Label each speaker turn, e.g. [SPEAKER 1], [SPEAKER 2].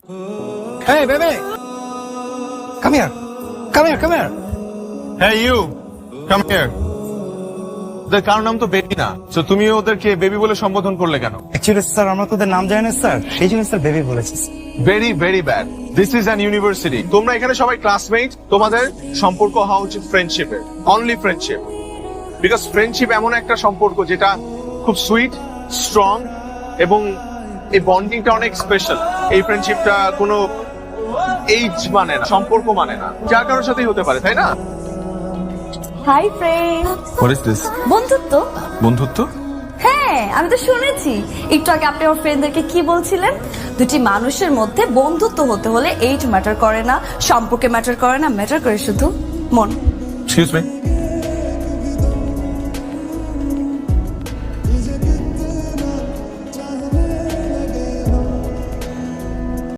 [SPEAKER 1] Hey, baby! Come here. Come here, come here.
[SPEAKER 2] হ্যাঁ you come here. ওদের কারো নাম তো বেবি না, তো তুমি ওদেরকে বেবি বলে সম্বোধন করলে কেন?
[SPEAKER 1] Actually, স্যার আমরা তোদের নাম জানি না স্যার, সেই জন্য স্যার বেবি বলেছি।
[SPEAKER 2] Very very bad. This is an university. তোমরা এখানে সবাই ক্লাসমেট, তোমাদের সম্পর্ক হওয়া উচিত ফ্রেন্ডশিপের, অনলি ফ্রেন্ডশিপ। বিকজ ফ্রেন্ডশিপ এমন একটা সম্পর্ক যেটা খুব সুইট, স্ট্রং এবং এই বন্ডিংটা অনেক স্পেশাল। এই ফ্রেন্ডশিপটা কোনো এইজ মানে না, সম্পর্ক মানে না, যার কারোর সাথেই হতে পারে, তাই না?
[SPEAKER 3] Hi friend.
[SPEAKER 2] What is this?
[SPEAKER 3] বন্ধুত্ব।
[SPEAKER 2] বন্ধুত্ব?
[SPEAKER 3] হ্যাঁ, আমি তো শুনেছি একটু আগে আপনি আমার ফ্রেন্ডদেরকে কি বলছিলেন, দুটি মানুষের মধ্যে বন্ধুত্ব হতে হলে এইজ ম্যাটার করে না, সম্পর্কে ম্যাটার করে না, ম্যাটার করে শুধু মন।
[SPEAKER 2] Excuse me,